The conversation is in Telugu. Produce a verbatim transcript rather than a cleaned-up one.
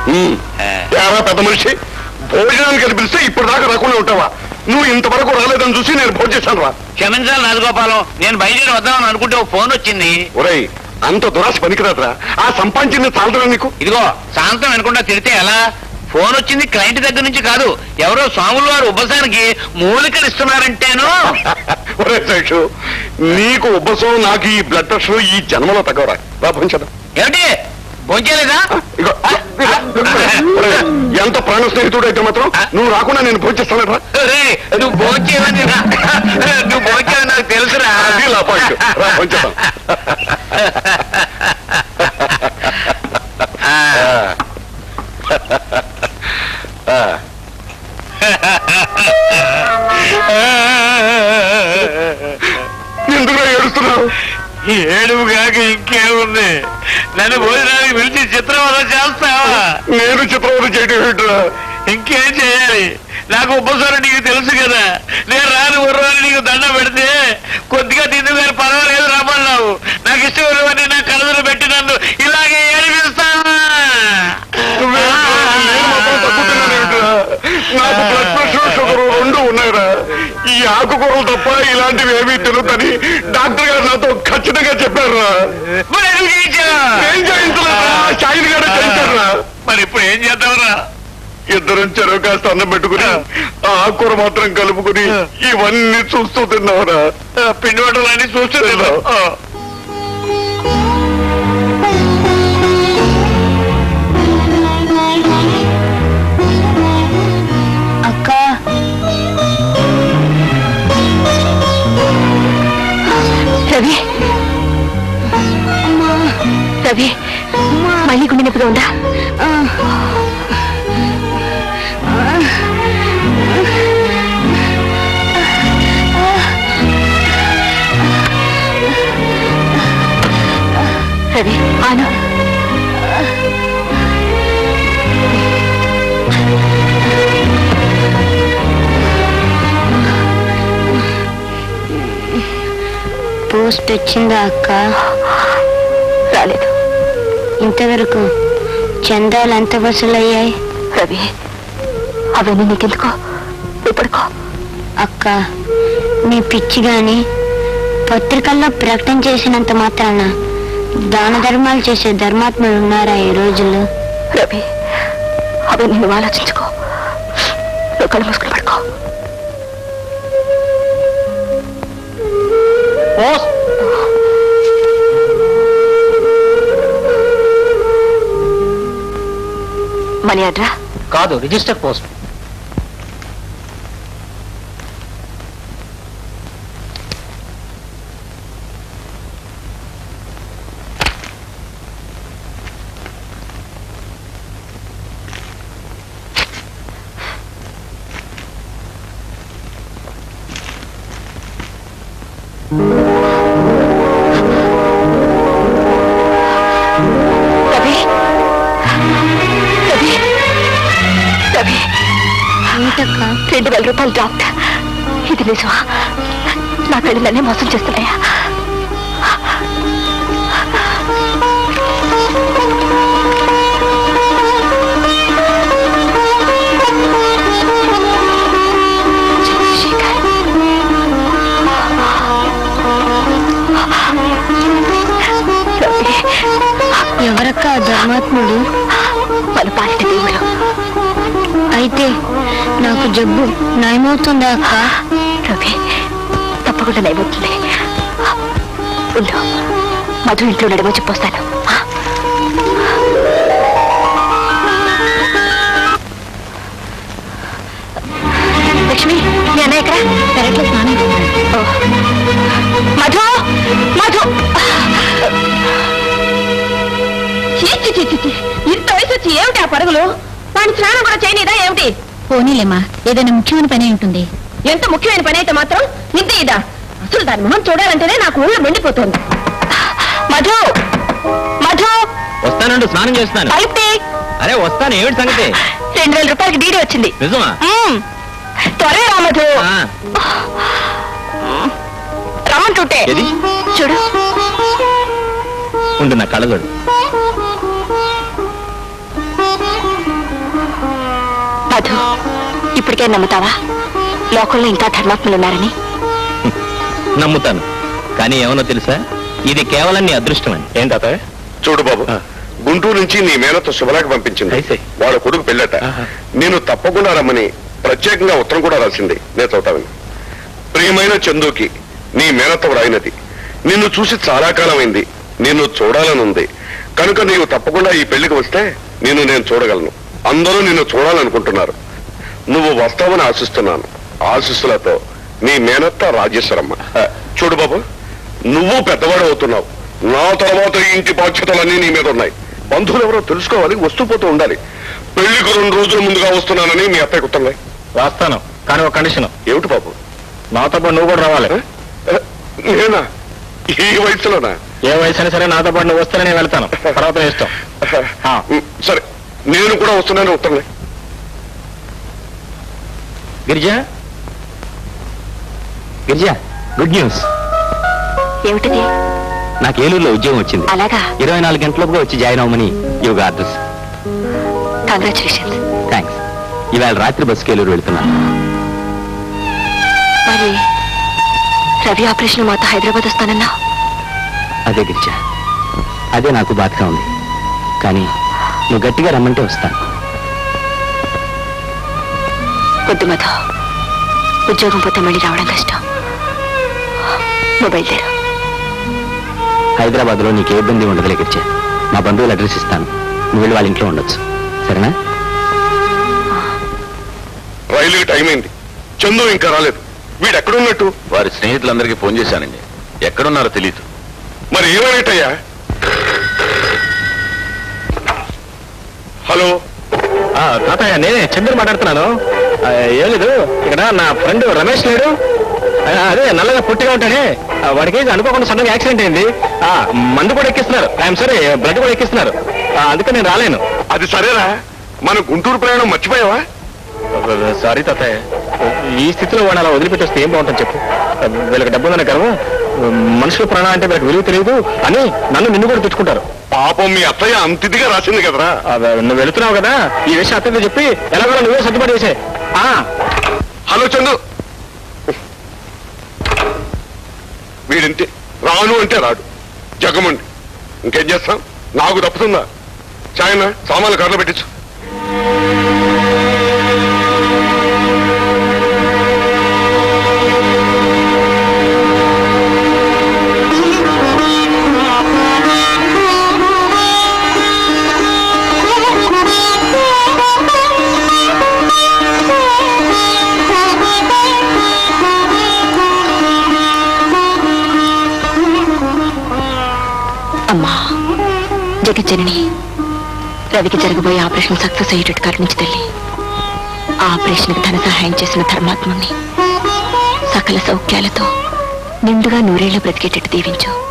పెద్ద మనిషి భోజనానికి కనిపిస్తే ఇప్పుడు దాకా రాకుండా ఉంటావా? నువ్వు ఇంతవరకు రాలేదని చూసి నేను భోజనం చేశాను రా. క్షమించాలి రాజగోపాలం, నేను బయలుదేరి వద్దామని అనుకుంటే ఒక ఫోన్ వచ్చింది. ఒరేయ్, అంత దురాశ పనికిరాదురా. ఆ సంపాదించింది చాలదురా నీకు. ఇదిగో సాయంత్రం అనుకుంటా తిడితే ఎలా? ఫోన్ వచ్చింది క్లయింట్ దగ్గర నుంచి కాదు, ఎవరో స్వాములు వారు ఉబ్బసానికి మూలికలు ఇస్తున్నారంటేను. ఒరే శేషు, నీకు ఉబ్బసం, నాకు ఈ బ్లడ్ ప్రెషర్ ఈ జన్మలో తగ్గవరా. రా భోంచేద్దాం. ఏమిటి భోంచేలేదా? ఎంత ప్రాణ స్నేహితుడు అయితే మాత్రం నువ్వు రాకుండా నేను భోంచేస్తానరా. నువ్వు భోంచేవని నువ్వు భోంచేవని నాకు తెలుసురా. రా భోంచేద్దాం. ఎందుకు ఏడుస్తున్నావు? ఏడుపు కాక ఇంకేముంది? నన్ను భోజనానికి పిలిచి చిత్రవద చేస్తావా? నేను చిత్రవద చేయడం ఏంట్రా? ఇంకేం చేయాలి? నాకు ఉపసరం నీకు తెలుసు కదా. నేను రాను ఉర్రని నీకు దండ పెడితే కొద్దిగా తిందు గారు పర్వాలేదు రమ్మన్నావు. నాకు ఇష్టం నా కలదులు పెట్టి నన్ను ఇలాగే ఏడిపిస్తావా? నాకు బ్లడ్ ప్రెషర్, షుగర్ రెండు ఉన్నాయిరా. ఈ ఆకుకూరలు తప్ప ఇలాంటివి ఏమీ తినొద్దని డాక్టర్ గారు నాతో ఖచ్చితంగా చెప్పారురా. ఏం చేయించలేదా? షాయిన్ గారే చేయించారురా. మరి ఇప్పుడు ఏం చేద్దాంరా? ఇద్దరం చెరువు కాస్త అన్నం పెట్టుకుని ఆ ఆకుకూర మాత్రం కలుపుకుని ఇవన్నీ చూస్తూ తిన్నావురా. పిండి వంటలు అన్ని చూస్తూ తిన్నావు. అక్క, రవి రవి మళ్ళీ గుండె నొప్పిగా ఉందా? రవి ఆను. పోస్ట్ వచ్చిందా అక్క? రాలేదు. ఇంతవరకు చందాలు ఎంత వసూలయ్యాయి? రవి, అవన్నీ నీకెందుకో, ఇప్పుడుకో. అక్క, నీ పిచ్చి గాని పత్రికల్లో ప్రకటన చేసినంత మాత్రాన దాన ధర్మాలు చేసే ధర్మాత్ములు ఉన్నారా ఈ రోజుల్లో? రవి, అవన్నీ నువ్వు ఆలోచించుకో. నువ్వు కళ్ళు మూసుకుని పడుకో. మనీ ఆర్డరా? కాదు, రిజిస్టర్ పోస్ట్. రవి రవి రవి ఏంటక్క? రెండు వేల రూపాయలు డ్రాఫ్ట్. ఇది నిజమా? నా కళ్ళనే మోసం చేస్తున్నాయా? ఎవరక్క ధర్మాత్ముడు? మన పాలిట దేవుడు. అయితే నాకు జబ్బు నయమవుతుందా అక్క? రవి, తప్పకుండా నయమవుతుంది. ఉండు, మధు ఇంట్లో నడమో చెప్పొస్తాను. లక్ష్మి, మీ అన్నయ్య ఎక్కడ? పెరట్లో స్నానం. మధు మధు ఇంత వయసు వచ్చి ఏమిటి ఆ పరుగులు? వాడిని స్నానం కూడా చేయనిదా ఏమిటి? పోనీలేమ్మా, ఏదైనా ముఖ్యమైన పని ఉంటుంది. ఎంత ముఖ్యమైన పని అయితే మాత్రం ఇంత ఇదా? అసలు దాని మొహం చూడాలంటేనే నాకు ఊళ్ళో మండిపోతుంది. మధు మధు వస్తానండి, స్నానం చేస్తాను. అయితే అరే వస్తాను, ఏమిటి సంగతి? రెండు వేల రూపాయలకి డీడీ వచ్చింది. నిజమా? త్వరగా రా మధు. రమ్మంటుంటే చూడు. ఉండు, నా కళ్ళగడు. మధు ఇప్పటికే నమ్ముతావా లోకంలో ఇంకా ధర్మాత్ములు ఉన్నారని? నమ్ముతాను, కానీ ఏమన్నా తెలుసా, ఇది కేవలం నీ అదృష్టం అని. ఏం తాత? చూడు బాబు, గుంటూరు నుంచి నీ మేనతో శుభలేఖ పంపించింది. అయితే? వాళ్ళ కొడుకు పెళ్ళట. ఆహా. నేను తప్పకుండా రమ్మని ప్రత్యేకంగా ఉత్తరం కూడా రాసింది. నేను చదువుతాను. ప్రియమైన చందుకి నీ మేనతో రాయినది. నిన్ను చూసి చాలా కాలమైంది. నిన్ను చూడాలనుంది కనుక నీవు తప్పకుండా ఈ పెళ్లికి వస్తే నిన్ను నేను చూడగలను. అందరూ నిన్ను చూడాలనుకుంటున్నారు. నువ్వు వస్తావని ఆశిస్తున్నాను. ఆశీస్సులతో నీ మేనత్త రాజేశ్వరమ్మ. ఆ, చూడు బాబు, నువ్వు పెద్దవాడు అవుతున్నావు. నా తర్వాత ఈ ఇంటి బాధ్యతలన్నీ నీ మీద ఉన్నాయి. బంధువులు ఎవరో తెలుసుకోవాలి, వస్తూ పోతూ ఉండాలి. పెళ్లికి రెండు రోజుల ముందుగా వస్తున్నానని మీ అత్తయ్య గుర్తున్నాయి. రాస్తాను, కానీ ఒక కండిషన్. ఏమిటి బాబు? నాతో పాటు నువ్వు కూడా రావాలి. ఆ, నేనా? ఈ వయసులోనా? ఏ వయసు అయినా సరే నాతో పాటు నువ్వు వస్తేనే నేను వెళ్తాను, తర్వాత నీ ఇష్టం. ఆ. ఉమ్, సరే, నేను కూడా వస్తున్నాను ఉత్తరం. Girija, Girija, good news. ఏమిటిది? నాకు ఏలూరులో ఉద్యోగం వచ్చింది. అలాగా? ఇరవై నాలుగు గంటలలోపుగా వచ్చి జాయిన్ అవ్వమని యోగా అడ్రస్. కంగ్రాచులేషన్స్. థ్యాంక్స్. ఇవాళ రాత్రి బస్సుకి ఏలూరు వెళ్తున్నాను. మరి రవి ఆపరేషన్ మాతో హైదరాబాద్ వస్తానన్నా? అదే గిరిజా, అదే నాకు బాధగా ఉంది. కానీ నువ్వు గట్టిగా రమ్మంటే వస్తాను. వద్దు మధు, ఉద్యోగం పోతే మళ్ళీ రావడం కష్టం. మొబైల్ తెరు. హైదరాబాద్ లో నీకు ఏ ఇబ్బంది ఉండదులే గిరిజా. మా బంధువులు అడ్రస్ ఇస్తాను, నువ్వు వెళ్ళి వాళ్ళ ఇంట్లో ఉండొచ్చు, సరేనా? రైలుకి టైం అయింది. చందు ఇంకా రాలేదు. వీడు ఎక్కడున్నట్టు? వారి స్నేహితులందరికీ ఫోన్ చేశానండి. ఎక్కడున్నారో తెలియదు. మరి ఏమైనట్టయ్యా? హలో, ఆ, తాతయ్య నేనే చంద్ర మాట్లాడుతున్నాను. ఆ, ఏం లేదు, ఇక్కడ నా ఫ్రెండ్ రమేష్ లేడు. ఆ, అదే నల్లగా పుట్టిగా ఉంటాడే, ఆ, వాడికి అనుకోకుండా సడన్గా యాక్సిడెంట్ అయింది. ఆ, మందు కూడా ఎక్కిస్తున్నారు, ఐఎమ్ సారీ, బ్లడ్ కూడా ఎక్కిస్తున్నారు. ఆ, అందుకే నేను రాలేను. అది సరేరా, మన గుంటూరు ప్రయాణం మర్చిపోయావా? సారీ తాతయ్య, ఈ స్థితిలో వాడు అలా వదిలిపెట్టి వస్తే ఏం బాగుంటుంది చెప్పు. వీళ్ళకి డబ్బు ఉందనే గర్వం, మనుషుల ప్రాణం అంటే వీళ్ళకి విలువ తెలియదు అని నన్ను నిన్ను కూడా తెచ్చుకుంటారు. పాపం మీ అత్తయ్య అంతిదిగా రాసింది కదరా. ఆ, నువ్వు వెళుతున్నావు కదా, ఈ విషయం అత్తయ్యతో చెప్పి ఎలాగో నువ్వే సర్దుబాటు చేసే. హలో చందు, వీడింతే, రాను అంటే రాడు, జగమండి. ఇంకేం చేస్తాం, నాకు తప్పుతుందా? చాయన సామాన్లు కార్లో పెట్టించు. అమ్మా జగజ్జనని, రవికి జరగబోయే ఆపరేషన్ సక్సెస్ అయ్యేటట్టు కరుణించి తల్లి. ఆ ఆపరేషన్కి ధన సహాయం చేసిన ధర్మాత్ముని సకల సౌఖ్యాలతో నిండుగా నూరేళ్లు బ్రతికేటట్టు దీవించు.